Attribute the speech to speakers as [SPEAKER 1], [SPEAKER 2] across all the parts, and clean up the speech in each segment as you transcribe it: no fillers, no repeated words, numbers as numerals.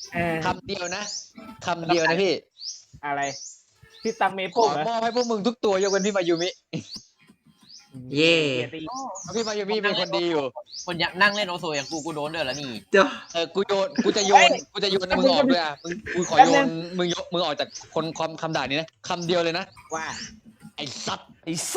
[SPEAKER 1] คำเดียวนะคำเดียวนะพี่
[SPEAKER 2] อะไรพี่ตังเม
[SPEAKER 1] ข
[SPEAKER 2] โป้
[SPEAKER 1] อมอบให้พวกมึงทุกตัวยกเว้นพี่มายูมิ
[SPEAKER 3] เย่
[SPEAKER 1] เพราะพี่มายูมิเป็นคนดีอยู่
[SPEAKER 4] คนอยากนั่งเล่นโอโซอย่างกูโดนด้วยแล้วนี่
[SPEAKER 3] เดี๋ยว
[SPEAKER 1] กูจะโยนมึงออกด้วยอ่ะกูขอโยนมึงออกจากคนคำด่านี้นะคำเดียวเลยนะ
[SPEAKER 2] ว่า
[SPEAKER 1] ไอ้สัตว์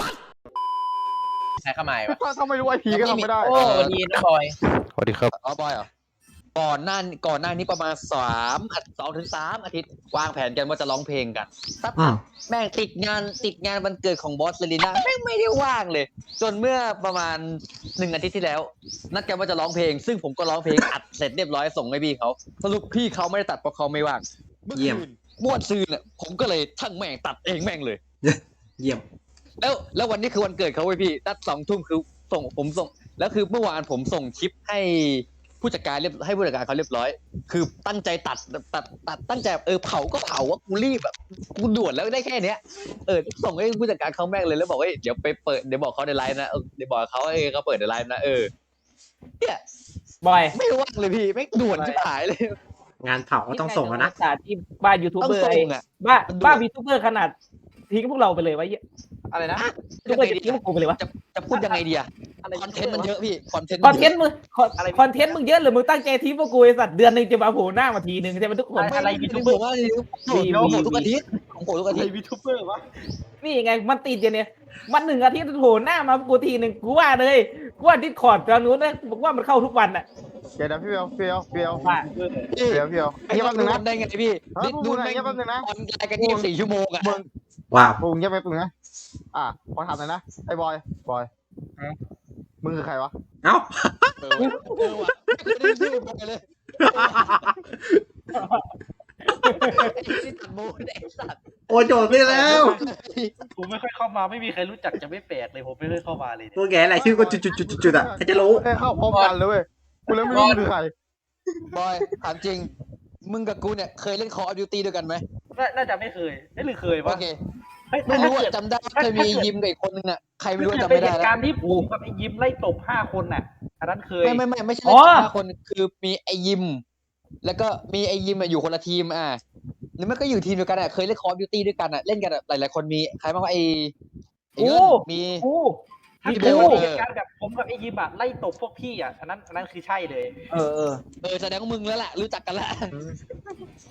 [SPEAKER 4] ใช้ข้ามายปะ
[SPEAKER 5] ถ้าไม่รู้ไอพีก็ทำไม่ได้
[SPEAKER 4] โอ้ดีนะบอย
[SPEAKER 6] สวัสดีครับ
[SPEAKER 1] อ๋อบอยเหรอก่อนหน้านี้ประมาณ2 ถึง 3 อาทิตย์วางแผนกันว่าจะร้องเพลงกันสัก
[SPEAKER 3] อืม
[SPEAKER 1] แม่งติดงานวันเกิดของบอสเลลิน่าแม่งไม่ได้ว่างเลย จนเมื่อประมาณ1 อาทิตย์ที่แล้ว นัดกันว่าจะร้องเพลง ซึ่งผมก็ร้องเพลงอัดเสร็จเรียบร้อยส่งให้พี่เขาสรุปพี่เขาไม่ได้ตัดเพราะเขาไม่ว่างเมื่อ
[SPEAKER 3] เยี่ยม
[SPEAKER 1] คืนม่วนซืนเนี่ยผมก็เลยทั้งแม่งตัดเองแม่งเลย
[SPEAKER 3] เยี่ยม
[SPEAKER 1] แล้ววันนี้คือวันเกิดเขาเว้ยพี่นัด2 ทุ่มคือผมส่งแล้วคือเมื่อวานผมส่งคลิปให้ผู้จัดการให้ผู้จัดการเขาเรียบร้อย คือตั้งใจตัดตั้งใจเผาก็เผาว่ากูรีบแบบกูด่วนแล้วได้แค่เนี้ยส่งให้ผู้จัดการเขาแม่งเลยแล้วบอกว่าเดี๋ยวไปเปิดเดี๋ยวบอกเขาในไลน์นะเดี๋ยวบอกเขาเขาเปิดในไลน์นะเนี่ย
[SPEAKER 2] บอย
[SPEAKER 1] ไม่ว่างเลยพี่ไม่ด่วนชิบหายเลย
[SPEAKER 3] งานเผาก็ต้องส่งแล้วนะ
[SPEAKER 2] ศาสตร์ที่บ้านยูทูบ
[SPEAKER 1] ต้อง
[SPEAKER 2] เบอร์
[SPEAKER 1] ส่
[SPEAKER 2] ไอ้
[SPEAKER 1] งอ่ะ
[SPEAKER 2] บ้านยูทูบเบอร์ขนาดทิ้งพวกเราไปเลยวะเหี้ย
[SPEAKER 5] อะไรนะ
[SPEAKER 2] ยูทูบเบอร์จะทิ้งพวกกูไปเลยวะ
[SPEAKER 1] จะพูดยังไงดีอะคอนเทนต์มันเยอะพี่คอนเทนต์
[SPEAKER 2] คอนเทนต์มึงคอนเทนต์มึงเยอะหรือมึงตั้งใจทิ้งพวกกูไอ้สัตว์เดือนหนึงจะมาโผล่หน้ามาทีนึงใช่ไหมทุกคน
[SPEAKER 1] อะไรยูทูบเบอร์ว่าผมทุกอาทิตย์ผมทุกอาทิตย์
[SPEAKER 5] ยูทูบเบอร์วะ
[SPEAKER 2] นี่ไงมันติดอย่างเนี้ยมัน1 อาทิตย์โผล่หน้ามากูทีนึงกูว่าเลยกูว่าดิสคอร์ดตอนนู้นนะบอกว่ามันเข้าทุกวันอ่ะ
[SPEAKER 5] เดี๋ยวพี่เฟียว
[SPEAKER 2] ว่า
[SPEAKER 5] เดี๋ยวไอ้แป๊บนึงนะ
[SPEAKER 1] ได้ไงพี่
[SPEAKER 5] ดูไหนแป๊บนึงนะ
[SPEAKER 1] ออนไลน์กัน24 ชั่วโมงอะ
[SPEAKER 3] ว้าว
[SPEAKER 5] มึงแป๊บนึงนะขอถามหน่อยนะไอ้บอยมึงคือใครวะ
[SPEAKER 3] เอ้า
[SPEAKER 1] ว่ะไม่ได้ชื่อผมเลยที่ตัดมูนไอ้สัตว์
[SPEAKER 3] โอ้โจทย์ได้แล้ว
[SPEAKER 7] ผมไม่ค่อยเข้ามาไม่มีใครรู้จักจะไม่แปลกเลยผมไม่เคยเข้ามาเลย
[SPEAKER 3] ตัวแกอะไรชื่อก็จุดๆๆๆอ่ะใครจะรู้
[SPEAKER 5] เข้าพร้อมกันเลยเว้ยกูเลยไม่รู้มึงคือใคร
[SPEAKER 1] บอยถามจริง มึงกับกูเนี่ยเคยเล่น Call of Duty ด้วยกันไหม
[SPEAKER 7] น่าจะไม่เคยหรือเคย
[SPEAKER 1] โอ
[SPEAKER 7] วะ
[SPEAKER 1] เค
[SPEAKER 7] เฮ้ย
[SPEAKER 1] ไม่รู้
[SPEAKER 7] ถ้า
[SPEAKER 1] อะจำได้เคยมียิมกับอีกคนนึงอะใครไม่รู้
[SPEAKER 7] เกิด
[SPEAKER 1] จำ
[SPEAKER 7] เป็น
[SPEAKER 1] ไม่
[SPEAKER 7] เห
[SPEAKER 1] ได้
[SPEAKER 7] ตุ
[SPEAKER 1] แล้ว
[SPEAKER 7] การณ์ที่ผมกับไอ้ยิ้มไล่ตบ5 คนน่ะอันนั้นเคย
[SPEAKER 1] ไม่ใช่เล่น5 คนคือมีไอยิม แล้วก็มีไอยิมอยู่คนละทีมหรือไม่ก็อยู่ทีมเดียวกันอะเคยเล่น Call of Duty ด้วยกันอะเล่นกันหลายๆคนมีใครบ้างวะไอเงินมี
[SPEAKER 2] กู
[SPEAKER 7] ถ้า
[SPEAKER 1] มี
[SPEAKER 7] เกิด
[SPEAKER 1] โบ้
[SPEAKER 7] ว่ามีเหตุการณ์แบบผมกับไอ้ยิ้มอะไล่ตบพวกพี่อะอันนั้นคือใช่เลย
[SPEAKER 2] เออ
[SPEAKER 1] แสดงว่ามึงแล้วแหละรู้จักกันแล้ว